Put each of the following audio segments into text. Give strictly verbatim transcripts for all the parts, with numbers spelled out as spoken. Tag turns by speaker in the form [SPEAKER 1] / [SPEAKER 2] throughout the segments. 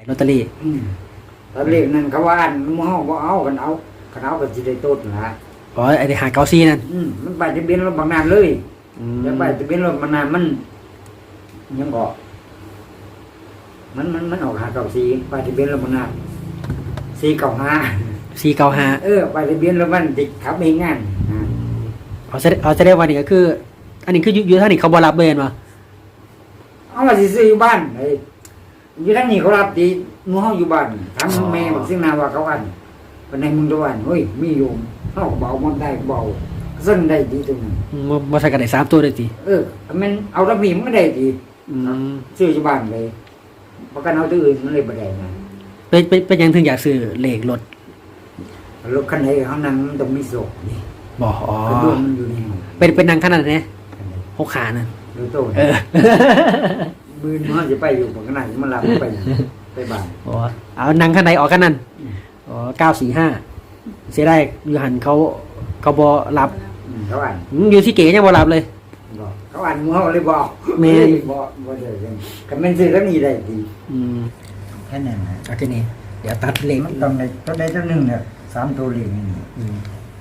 [SPEAKER 1] ลอตเตอรี่
[SPEAKER 2] อืมตอนเลขนั่นเขาว่าอันหมู่เฮาบ่เอากันเอาคันเอาก็สิได้ต้นล่ะ
[SPEAKER 1] อ๋อไอ้ที่หาเก้าซี่นั่น
[SPEAKER 2] อืมมันป้ายทะเบียนรถบางนานเลย
[SPEAKER 1] อืม
[SPEAKER 2] แล้วป้ายทะเบียนรถบางนานมันยังก็มันมันมันออกหาเก้าสี่ป้ายทะเบียนรถบางนานสี่เก้าห้า
[SPEAKER 1] สี่เก้าห้า
[SPEAKER 2] เออป้ายทะเบียนรถมันติดขับเองงานอ่า
[SPEAKER 1] เอาจะเอาจะได้วันนี้ก็คือ อันนี้คืออยู่อยู่ท่านี้เขาบ่รับเบนวะ
[SPEAKER 2] เอามาสิซื้ออยู่บ้านไอ้อยู่ทางนี้เขารับดีหมู่เฮาอยู่บ้านถามแม่บอกซึ่งนาว่าเขาอันปานใดมึงตัวอันเฮ้ยมีโยมเฮาก็เบามันได้เบาซึ่งได้ดีตรงนั้น
[SPEAKER 1] อืมบ่บ่ใส่กันได้สามตัวได้ติ
[SPEAKER 2] เออมันเอาระบีมันได้ดี
[SPEAKER 1] อืม
[SPEAKER 2] ซื้ออยู่บ้านเลยประกันเอาตัวอื่นมันเลยบ่ได้นะ
[SPEAKER 1] เป็นเป็นเป็นหยังถึงอยากซื้อเลขรถ
[SPEAKER 2] รถคันไหนข้างนั้นมันต้องมีโซ่นี่
[SPEAKER 1] บ่อ๋อก
[SPEAKER 2] ระดุมมันอยู่นี่
[SPEAKER 1] เป็นเป็นนางขนาดนี้หกขานั่น
[SPEAKER 2] ดูโต้
[SPEAKER 1] เออ
[SPEAKER 2] มือมันจะไปอยู่บนขนาดมันรับไปไปบ้าน
[SPEAKER 1] อ๋อเอานางขนาดไหนออกกันนั่นอ๋อเก้าสี่ห้าเสียดายอยู่หันเขาเขาบ่รับ
[SPEAKER 2] อืมเขาอ่าน
[SPEAKER 1] อืมอยู่ที่เก๋ยังบ่รับเลย
[SPEAKER 2] บอกเขาอ่านมือเขาเลยบอก
[SPEAKER 1] แม่น
[SPEAKER 2] บอกบ่ได้ยังก็แม่นซื้อแล้วนี่ได้ดี
[SPEAKER 1] อืม
[SPEAKER 2] แค่นั้นนะ
[SPEAKER 1] เอาทีนี้เดี๋ยวตัดเลข
[SPEAKER 2] มันต้องได้ตัวใดตัวหนึ่งเนี่ยสามตัวเลขนี่
[SPEAKER 1] อืม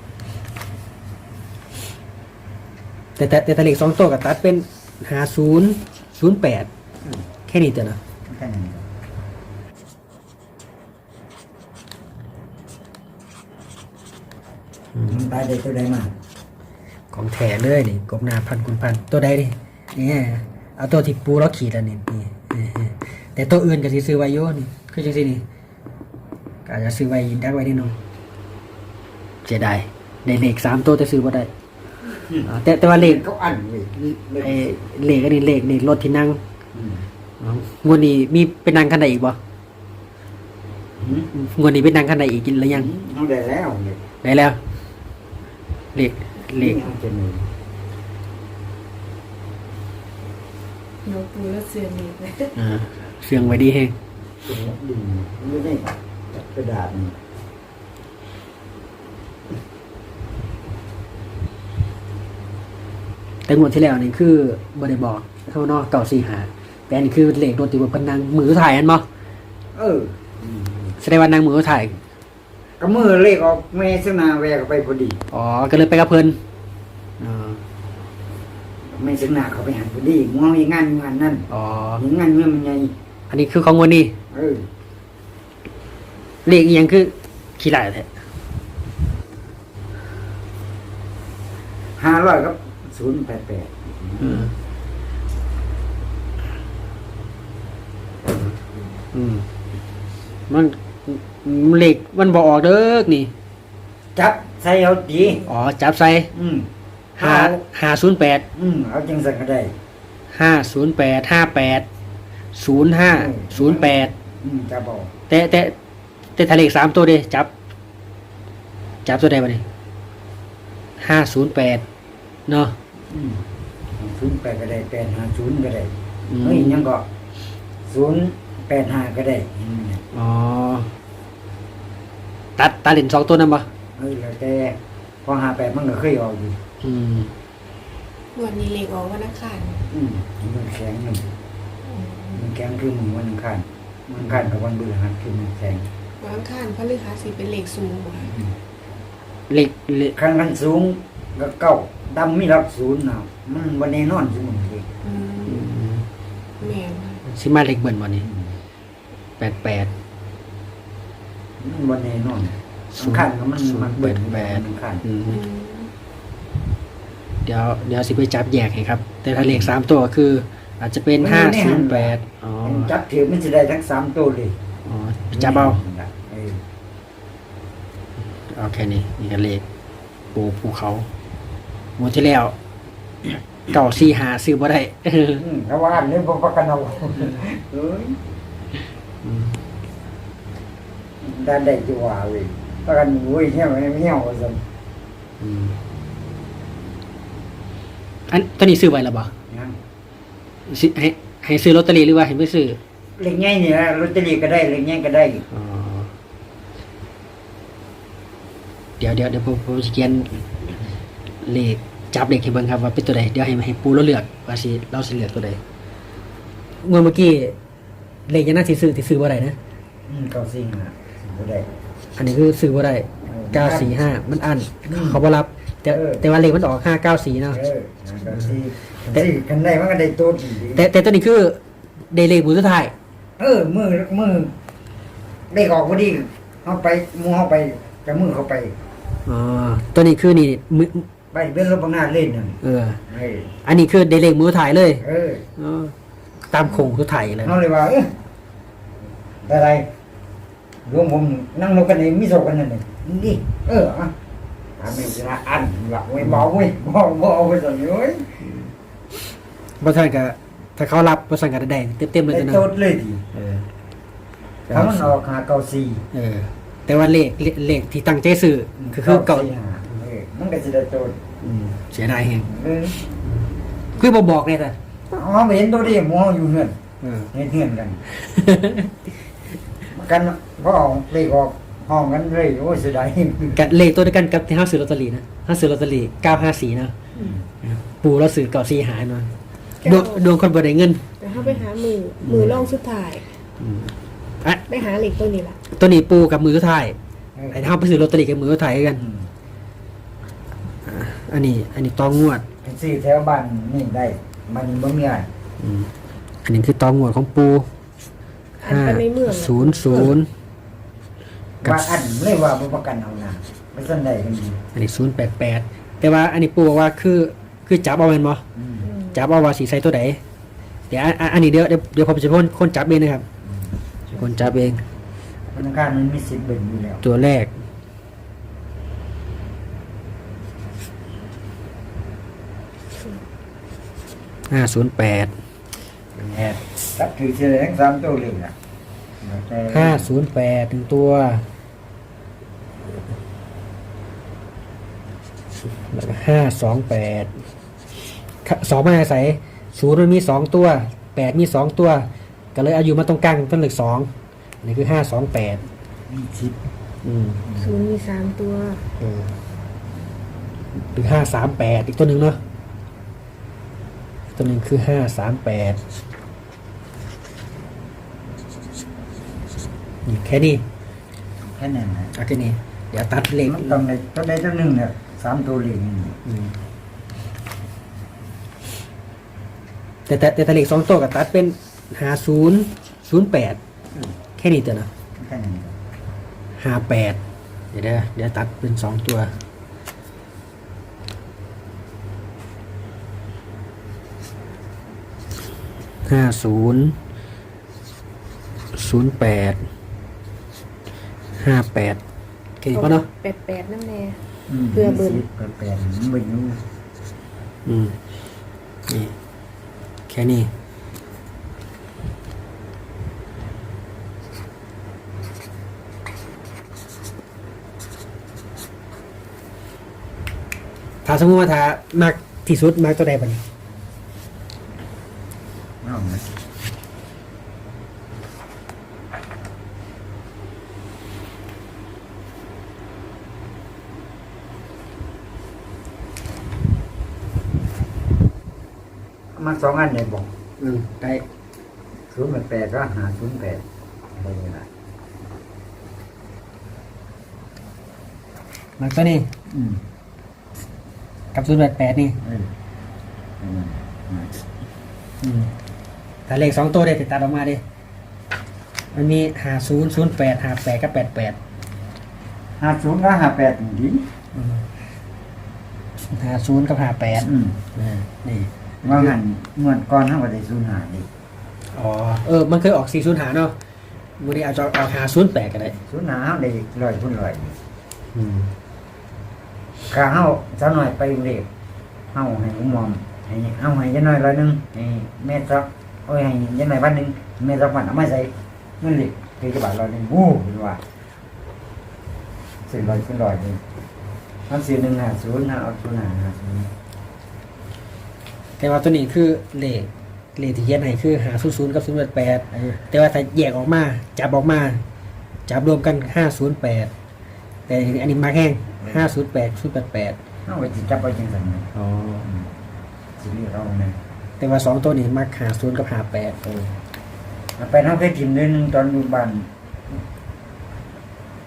[SPEAKER 1] แต่แต่แต่แต่เลขสองตัวกับตัดเป็นห้าศูนย์ศูนย์แปดแค่นี้เถอะนะ
[SPEAKER 2] แค่นั้น มันตายได้ตัวใดมา
[SPEAKER 1] ของแถเลยนี่กบหนาพันคุณพันตัวใดดิเนี่ยเอาตัวที่ปูแล้วขีดอันนี้นี่นี่แต่ตัวอื่นก็สิซื้อไว้โยนี่คือจังซี่นี่ก็อาจจะซื้อไว้ดักไว้นิดหนึงเสียดายได้เลขสามตัวแต่ซื้อบ่ได้อ่าแต่แต่ว่าเลข
[SPEAKER 2] เขาอ่านเลย
[SPEAKER 1] ไอ้เลขอันนี้เลขนี่รถที่นั่ง
[SPEAKER 2] อืม
[SPEAKER 1] อ๋องวดนี้มีเป็นนั่งคันใดอีกบ่
[SPEAKER 2] อืม
[SPEAKER 1] งวดนี้เป็นนั่งคันใดอีกหรือยัง
[SPEAKER 2] เอาได้แล้วเลย
[SPEAKER 1] ได้แล้วเลขเลข
[SPEAKER 2] เอาจะมี
[SPEAKER 3] หนูปูแล้วเสียนี่เลย
[SPEAKER 1] อ่าเสียงไว้ดีแฮง
[SPEAKER 2] ตัวดินไม่ได้กระดาษนี่
[SPEAKER 1] แต่งวดที่แล้วนี่คือบริบอกเข้านอกเก่าสี่หาแต่อันนี้คือเลขโดนติดบนเป็นนางมือถ่ายอันบ่
[SPEAKER 2] เอออืม
[SPEAKER 1] แสดงว่านางมือถ่าย
[SPEAKER 2] ก็มือเลขออกแม่สนาแวกไปพอดี
[SPEAKER 1] อ๋อก็เลยไปกับเพิ่นอ๋อ
[SPEAKER 2] แม่สนาเขาไปหันพอดีมองมีงานงานนั่น
[SPEAKER 1] อ๋อ
[SPEAKER 2] มีงานเมื่อมันไง
[SPEAKER 1] อันนี้คือของงวดนี้
[SPEAKER 2] เออ
[SPEAKER 1] เลขอีหยังคือขี้หลายแท้
[SPEAKER 2] ห้าร้อยครับศูนย์แปดแปด
[SPEAKER 1] อืมอืมมันเลขมันบ่ออกเด้อนี่
[SPEAKER 2] จับใส่เอาดี
[SPEAKER 1] อ๋อจับใส่
[SPEAKER 2] อืม
[SPEAKER 1] ห้าห้าศูนย์แปด
[SPEAKER 2] อืมเอาจังสักก็ได้
[SPEAKER 1] ห้าศูนย์แปดห้าแปดศูนย์ห้าศูนย์แปด
[SPEAKER 2] อืมจับเอา
[SPEAKER 1] แต่แต่แต่ทะเลขสามตัวเด้จับ จับตัวใดมาดิห้าศูนย์แปดเนาะ
[SPEAKER 2] อืมศูนย์แปดก็ได้แปดห้าศูนย์ก็ได้
[SPEAKER 1] อืม
[SPEAKER 2] เฮ้ยยังก็ศูนย์แปดห้าก็ได้อืม
[SPEAKER 1] อ๋อตัดตัดเหรียญสองตัวนั่นปะ
[SPEAKER 2] เฮ้ยแล้วแต่พอหาแปดมันก็เคยออกอยู่
[SPEAKER 1] อืม
[SPEAKER 3] วันนี้เล็กออกวันอังคาร
[SPEAKER 2] อืมมันแข็งมัน
[SPEAKER 3] อืม
[SPEAKER 2] มันแข็งคือมือวันอังคารวันอังคารกับวันพฤหัสคือมันแข็ง
[SPEAKER 3] วันอังคารพฤหัสสิเป็นเหล็กสูงกว่า
[SPEAKER 2] อืม
[SPEAKER 1] เหล็กเหล็ก
[SPEAKER 2] ขั้นขั้นสูงก็เก้าดำมีรักศูนย์นะมันวันแน่นอนสมุนเลย
[SPEAKER 3] อื
[SPEAKER 1] อื
[SPEAKER 3] ม
[SPEAKER 1] ม
[SPEAKER 3] แม่นค่ะ
[SPEAKER 1] สิมาเหล็กเบิ่นวันนี้แปดแปด
[SPEAKER 2] มันวันแน่นอน
[SPEAKER 1] ศู
[SPEAKER 2] อั
[SPEAKER 1] น
[SPEAKER 2] ง
[SPEAKER 1] ย์
[SPEAKER 2] คารก็มันมันเบิด
[SPEAKER 1] แปด
[SPEAKER 2] อังคาร
[SPEAKER 1] อืม
[SPEAKER 3] อืม
[SPEAKER 1] เดี๋ยวเดี๋ยวสิไปจับแยกให้ครับ แต่ถ้าเหล็กสามตัวคือ อาจจะเป็นห้าศูนย์แปดอ๋อ
[SPEAKER 2] จับถือมันจะได้ทั้งสามตัวเลย
[SPEAKER 1] อ๋อจับเอา
[SPEAKER 2] เออ
[SPEAKER 1] เอาแค่นี้นี่ก็เลขปูภูเขาหมดที่แล้ว เก่าซีหาซื้อบ่ได้
[SPEAKER 2] อืมถ้าว่าอันนี้พอประกันเอาเอ้ยด้านใดจะว่าเว้ยประกันโว้ยเหี้ยวเหี้ยวซั่น
[SPEAKER 1] อืมอันตอนนี้ซื้อไว้แล้วบ่
[SPEAKER 2] ยัง
[SPEAKER 1] สิให้ให้ซื้อลอตเตอรี่หรือว่าให้ไม่ซื้อ
[SPEAKER 2] เล็กใหญ่นี่นะลอตเตอรี่ก็ได้เล็กใหญ่ก็ได้
[SPEAKER 1] อ๋อเดี๋ยวเดี๋ยวเดี๋ยวผมผมสิเขียนเลขจับเลขให้เบิ่งครับว่าเป็นตัวใดเดี๋ยวให้ให้ปูเราเลือกว่าสิเราสิเลือกตัวใดงวดเมื่อกี้เลขยังน่าสิซื้อสิซื้อบ่ได้นะ
[SPEAKER 2] อืมเก้าสี่ห้าบ่ได้
[SPEAKER 1] อันนี้คือซื้อบ่ได้เก้าสี่ห้ามันอัน
[SPEAKER 2] อืม
[SPEAKER 1] เขาบ่รับแต่
[SPEAKER 2] เออ
[SPEAKER 1] แต่ว่าเลขมันออกห้าเก้าสี่เนาะ
[SPEAKER 2] เออเก้าสี่สี่กันได้มันก็ได้ตัวดี
[SPEAKER 1] แต่แต่ตัวนี้คือเดเลขบุญสุดท้าย
[SPEAKER 2] เออมือมือได้ออกพอดีเอาไปหมูเอาไปจะมือเขาไป
[SPEAKER 1] อ๋อตัวนี้คือนี่มือ
[SPEAKER 2] ไปเป็นรถบังหน้าเล่นนั่น
[SPEAKER 1] เออ
[SPEAKER 2] เออ
[SPEAKER 1] อันนี้คือเดเลขมือถ่ายเลย
[SPEAKER 2] เออ
[SPEAKER 1] อ๋อตามโคงสุดท้ายเลย
[SPEAKER 2] เอาเลยว่าเอออะไรรวมผมนั่งรถกันเองมิโซกันนั่นเลยนี่เอออ่ะทำให้ชนะอันหลักไว้เบาไว้เบาเบาไปสั่งเอ้ย
[SPEAKER 1] บ่ทันก็ถ้าเขารับบ่สั่งก็ได้เต็มๆเลย
[SPEAKER 2] ได้
[SPEAKER 1] จ้ะเนาะ
[SPEAKER 2] โจทย์เลยที
[SPEAKER 1] เออ
[SPEAKER 2] ถ้ามันออกหาเก้าสี่
[SPEAKER 1] เออ แต่ว่าเลขเลขเลขที่ตั้งใจซื้อคือคือเก่า
[SPEAKER 2] สี่ห้าเออมันก็จะได้โจทย์
[SPEAKER 1] อืมเสียดายแฮง
[SPEAKER 2] เออ
[SPEAKER 1] คือบ่บอกเลยจ้ะ
[SPEAKER 2] อ๋อไม่เห็นตัวดิหมูอยู่เงื่อน
[SPEAKER 1] เออ
[SPEAKER 2] เห็นเงื่อนกัน กันเพราะออกเลขออกห้องกันเลยโอ้ยเสียดาย
[SPEAKER 1] กับเลขตัวเดียวกันกับที่เฮาซื้อลอตเตอรี่นะเฮาซื้อลอตเตอรี่เก้าห้าสี่นะปู่เราซื้อเก่าสี่หายมาดวงดวงคนบ่ได้เงิน
[SPEAKER 3] แต่ถ้าไปหามือมือล่องสุดท้าย
[SPEAKER 1] อืมอ่ะ
[SPEAKER 3] ไปหาเหล็กตัวนี้ล่ะ
[SPEAKER 1] ตัวนี้ปู่กับมือสุดท้าย
[SPEAKER 2] เออ
[SPEAKER 1] ไอ้เฮาไปซื้อลอตเตอรี่กับมือสุดท้ายกัน
[SPEAKER 2] อืม
[SPEAKER 1] อันนี้ อันนี้ตองงวด
[SPEAKER 2] เป็นสี่แถวบ้านนี่ได้มันบ่มีอะไร
[SPEAKER 1] อืมอันนี้คือตองงวดของปู่
[SPEAKER 3] อัน
[SPEAKER 1] ห้า
[SPEAKER 3] ไปในเมือง
[SPEAKER 1] ศูนย์ศูนย์กับ
[SPEAKER 2] ว่าอันเลยว่าบ่ประกันเอานะไม่สนใดกันดี
[SPEAKER 1] อันนี้ศูนย์แปดแปดแต่ว่าอันนี้ปู่บอกว่าคือคือจับเอาแม่นบ่
[SPEAKER 2] อืม
[SPEAKER 3] อืม
[SPEAKER 1] จับเอาว่าสีใส่ตัวไหนเดี๋ยวอันอันอันนี้เดี๋ยวเดี๋ยวเดี๋ยวผมจะเป็นคนคนจับเองนะครับคนจับเอง
[SPEAKER 2] ธนาคารมันมีสิทธิ์เบิ่งอยู่แล้ว
[SPEAKER 1] ตัวแรกห้าศูนย์แปด
[SPEAKER 2] แอบตัดถือเฉลยทั้งสามตัวเลยนะแต่
[SPEAKER 1] ห้าศูนย์แปดถึงตัวแล้วก็ห้าสองแปดสองมาอาศัยศูนย์มันมีสองตัวแปดมีสองตัว ก็เลยเอาอยู่มาตรงกลางเป็นเลขสองอันนี้คือห้าสองแปด
[SPEAKER 2] มีสิทธิ์
[SPEAKER 1] อืม
[SPEAKER 3] ศูนย์มีสามตัว
[SPEAKER 1] เออหรือห้าสามแปดอีกตัวหนึ่งเนาะตัวหนึ่งคือห้าสามแปดนี่แค่นี้
[SPEAKER 2] แค่นั้นนะ
[SPEAKER 1] เอาแค่นี้เดี๋ยวตัดเลข
[SPEAKER 2] มันต้องได้ตัวใดตัวหนึ่งเนี่ยสามตัวเลยนี่
[SPEAKER 1] อืมแต่แต่แต่แต่เลขสองตัวกับตัดเป็นห้าศูนย์ศูนย์แปดแค่นี้เถอะนะ
[SPEAKER 2] แค่นั้น
[SPEAKER 1] ห้าแปดเดี๋ยวเดี๋ยวเดี๋ยวตัดเป็นสองตัวห้าศูนย์ศูนย์แปดห้าแปดแค่นี้พอเนาะ
[SPEAKER 3] แปดแปดนั่นแน่
[SPEAKER 2] ม
[SPEAKER 3] เพื่อเบิ่ง
[SPEAKER 2] มีสิทธิ์เปิดแปลงมันเบิ่งอยู่
[SPEAKER 1] อืมนี่แค่นี้ถ้าสมมติว่าถ้ามากที่สุดมากตัวใดบ้าง
[SPEAKER 2] เอานะมาสองอันเนี่ยบอก
[SPEAKER 1] อืมได้
[SPEAKER 2] ศูนย์แปดแปดก็หาศูนย์แปดอะไรอย่างเงี้ย
[SPEAKER 1] มากตัวนี้
[SPEAKER 2] อืม
[SPEAKER 1] กับศูนย์แปดแปดนี่
[SPEAKER 2] เอออืมอืม
[SPEAKER 1] อืมถ้าเลขสองตัวได้ติดตัดออกมาดิมันมีหาศูนย์ศูนย์แปดหาแปดกับแปดแปด
[SPEAKER 2] ห้าศูนย์ก็ห้าแปดดี
[SPEAKER 1] หาศูนย์กับหาแปด
[SPEAKER 2] อืม
[SPEAKER 1] อ่านี่
[SPEAKER 2] ว่างั้นเมื่อก่อนเท่ากับได้ศูนย์หาดิ
[SPEAKER 1] อ๋อเออมันเคยออกสี่ศูนย์หาเนาะวันนี้อาจจะออกหาศูนย์แปดก็ได้
[SPEAKER 2] ศูนย์หาเฮาได้ร้อยคุณร้อย
[SPEAKER 1] อืม
[SPEAKER 2] ข้าเฮาเจ้าหน่อยไปเรียกเฮาให้ผมมอมให้เอาให้ยายน้อยร้อยหนึงให้แม่ซักโอ้ยให้ยายน้อยพันหนึงแม่ซักพันเอามาใส่เงินเหล็กคือกระบาดร้อยหนึงโอ้เห็นว่าสี่ร้อยคุณร้อยนี่เอาสี่หนึ่งห้าศูนย์เอาศูนย์ห้าห้าศูนย์
[SPEAKER 1] แต่ว่าตัวนี้คือเลขเลขที่เขียนให้คือหาศูนย์ศูนย์กับศูนย์แปดแปดแต่ว่าถ้าแยกออกมาจับออกมาจับรวมกันห้าศูนย์แปดแต่อันนี้มาแห้งห้าศูนย์แปดศูนย์แปดแปด
[SPEAKER 2] เอาไปจิจับไปจังสันนะ
[SPEAKER 1] อ๋อ
[SPEAKER 2] สิเรียกเรานะ
[SPEAKER 1] แต่ว่าสองตัวนี้มาหาศูนย์กับหาแปด
[SPEAKER 2] เออเอาไปเฮาเคยกินเดือนหนึงตอนอยู่บ้าน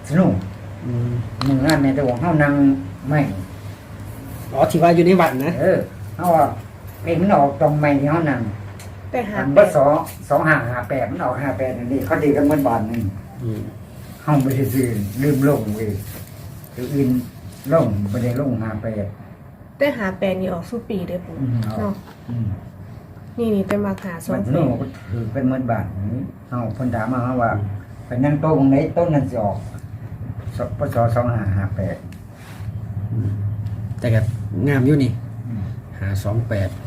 [SPEAKER 2] สนุก
[SPEAKER 1] อืม
[SPEAKER 2] มึงงานในแต่ว่าเฮานั่งไม่
[SPEAKER 1] อ๋อที่ว่าอยู่ในวัดนะ
[SPEAKER 2] เออเฮาว่าเพลงมันออกตรงไม่ที่เฮานั่ง
[SPEAKER 3] แต่หา
[SPEAKER 2] อัน
[SPEAKER 3] แป
[SPEAKER 2] บ่
[SPEAKER 3] ด
[SPEAKER 2] สองสองห้าห้าแปดมันออกห้าแปดนั่นนี่เขาตีกันเหมือนบาทหนึง
[SPEAKER 1] อืม
[SPEAKER 2] เฮาบ่ได้ซื้อลืมลงเว้ยตัวอื่นลงบ่ได้ลงห้าแปด
[SPEAKER 3] แต่หาแปดนี่ออกสู้ปีเด้อปู่
[SPEAKER 2] อืม
[SPEAKER 3] เนาะ
[SPEAKER 2] อืม
[SPEAKER 3] นี่นี่แต่มาหาสอ
[SPEAKER 2] มั
[SPEAKER 3] ง
[SPEAKER 2] น
[SPEAKER 3] แป
[SPEAKER 2] โน่
[SPEAKER 3] ด
[SPEAKER 2] ก็ถือเป็นเหมือนบาทนี้เฮาเพิ่นถามมาว่าไปนั่งโต๊ะตรงไหนต้นนั้นสิออกสปศสองห้าห้าแปด
[SPEAKER 1] แต่ก็งามอยู่นี่
[SPEAKER 2] อืม
[SPEAKER 1] หาสองแปด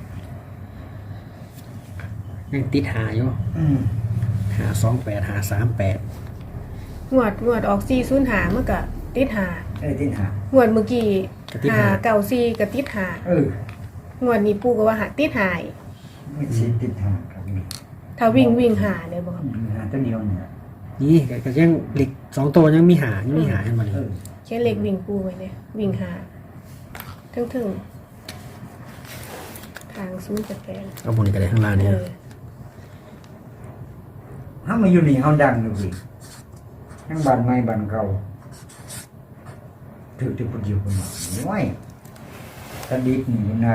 [SPEAKER 1] ยังติดหาอยู่
[SPEAKER 2] อืม
[SPEAKER 1] หาสองแปดหาสามแปด
[SPEAKER 3] งวดงวดออกสี่ศูนย์หามันก็ติดหา
[SPEAKER 2] เอ้ยที่หาง
[SPEAKER 3] วดเมื่อกี้หาเก่าสี่ก็ติดหา
[SPEAKER 2] เออง
[SPEAKER 3] วดนี้ปู่ก็ว่าหาติดหาย
[SPEAKER 2] ไม่สิติดหางครับนี่
[SPEAKER 3] ถ้าวิ่งวิ่งหาเลยบ่ครับ
[SPEAKER 2] อืมหาตัวเดียวเนี่ย
[SPEAKER 1] นี่ก็ก็ยังเหล็กสองตัวยังมีหายังมีหาให้มาเลย
[SPEAKER 2] เออ
[SPEAKER 3] แค่เล็กวิ่งปู่ไว้เนี่ยวิ่งหาถึงถึงทางศูนย์แปดแปด
[SPEAKER 1] เอาบนนี้ก็ได้ข้างล่าง
[SPEAKER 3] เอ
[SPEAKER 1] นี่
[SPEAKER 3] อ
[SPEAKER 2] ถ้ามาอยู่นี่เฮาดังดูสิทั้งบ้านใหม่บ้านเก่าถือที่พุ่นอยู่พุ่นมาโอ้ยตะดิบนี่นะ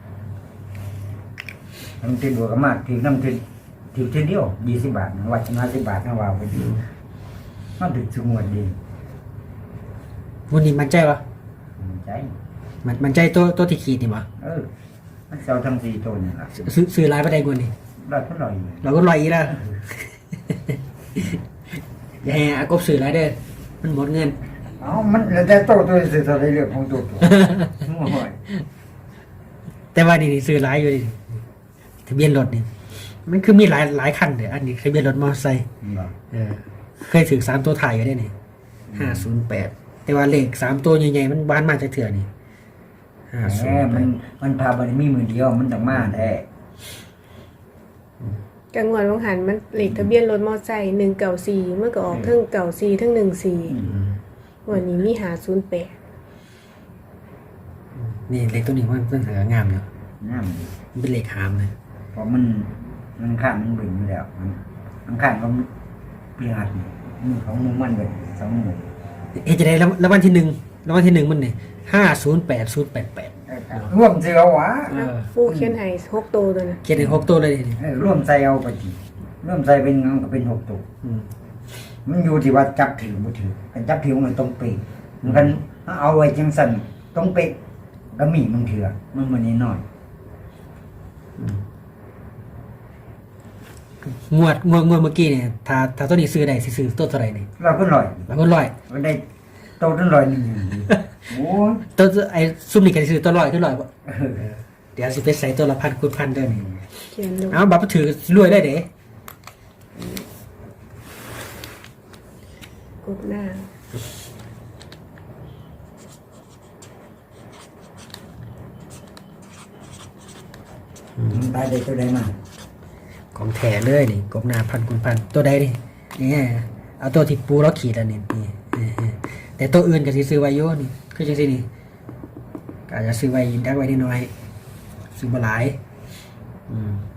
[SPEAKER 2] น้ำติดบัวก็มากถือน้ำติดถือเท่าเดียวยี่สิบบาทวัดห้าสิบบาทนะว่าไปดูมันถือสงวนดี
[SPEAKER 1] วันนี้มันใจวะ
[SPEAKER 2] มันใจ
[SPEAKER 1] มันมันใจตัวตัวที่ขีดนี่วะ
[SPEAKER 2] เออมันเซาทั้งสี่ตัวนี่ล่ะ
[SPEAKER 1] ซื้อซื้อลายไปได้กว่านี่
[SPEAKER 2] ร้อยเท่าไหร่
[SPEAKER 1] เราก็ลอยอีกแล้ว อย่าให้อากบซื้อลายเด้อมันหมดเงิน
[SPEAKER 2] เอ้ามันแล้วแต่โตตัวสื่อตัวในเรื่องของตัวตัวโอ้ย
[SPEAKER 1] แต่ว่านี่นี่ซื้อลายอยู่นี่ทะเบียนรถนี่มันคือมีหลายหลายคันเด้ออันนี้ทะเบียนรถมอเตอร์ไซค์
[SPEAKER 2] บ่
[SPEAKER 1] เออเคยถือสามตัวถ่ายอยู่ได้นี่ห้าศูนย์แปดแต่ว่าเลขสามตัวใหญ่ๆมันบ้านมาจากเถื่อนี่ห้า
[SPEAKER 2] แห
[SPEAKER 1] ศูน
[SPEAKER 2] ม
[SPEAKER 1] ย์แป
[SPEAKER 2] มัน
[SPEAKER 1] ด
[SPEAKER 2] มันพาบันมีมือเดียวมันต้องมาแท้
[SPEAKER 3] กังวดวังหันมันเลขทะเบียนรถมอไซค์หนึ่งเก่าสี่เมื่อก็ออกทั้งเก่าสี่ทั้งหนึ่งสี่วันนี้มีหาศูนย์แปด
[SPEAKER 1] นี่เลขตัวนี้มันมันหางามเนาะ
[SPEAKER 2] น้ำดี
[SPEAKER 1] มันเป็นเลขหามเลย
[SPEAKER 2] เพราะมันมันข้ามมันบึงอยู่แล้วมันมันข้ามก็เปลี่ยนมือของมือมันแบบสองมือ
[SPEAKER 1] เอ๊ะจะได้แล้วแล้ววันที่หนึ่งแล้ววันที่หนึ่งมันเนี่ยห้าศูนย์แปดศูนย์แปดแปด
[SPEAKER 2] ร่วมเสียววะ
[SPEAKER 1] เออ
[SPEAKER 3] ปูเขียนให้หกตัวตัวนะ
[SPEAKER 1] เขียนในหกตัวเลยนี่
[SPEAKER 2] เออร่วมใส่เอาไปทีร่วมใส่เป็นเงาก็เป็นหกตัว
[SPEAKER 1] อืม
[SPEAKER 2] มันอยู่ที่ว่าจับถือบ่ถือกันจับถือมันตรงเป๊ะมันกันเอาไว้จังสั่นตรงเป๊ะก็มีมันเถื่อมันมันนิดหน่อย
[SPEAKER 1] งวดงวดงวดเมื่อกี้เนี่ยถ้าถ้าตัวนี้ซื้อได้สิซื้อตัวเท่าไหร่นี่
[SPEAKER 2] เราก็ลอย
[SPEAKER 1] แล้วก็ร้อย
[SPEAKER 2] มันได้โตตั้งลอยหนึ่งโอ้ย
[SPEAKER 1] ตัวไอ้ซุ่มนี่ก็สิซื้อตัวร้อยตัวร้อยบ่
[SPEAKER 2] เออ
[SPEAKER 1] เดี๋ยวสิไปใส่ตัวละพันคูณพันเด้อนี่
[SPEAKER 3] เขียนลง
[SPEAKER 1] เอาบัตรถือรวยได้เด้
[SPEAKER 3] กดหน้า
[SPEAKER 2] มันตายได้ตัวใดมา
[SPEAKER 1] ของแท้เลยนี่กบหน้าพันคูณพันตัวใดนี่นี่เอาตัวที่ปูแล้วขีดอันนี้นี่แต่ตัวอื่นก็สิซื้อไว้อยู่นี่คือจังซี่นี่ก็อาจจะซื้อไว้ดักไว้นิดหน่อยซื้อบ่หลายอืม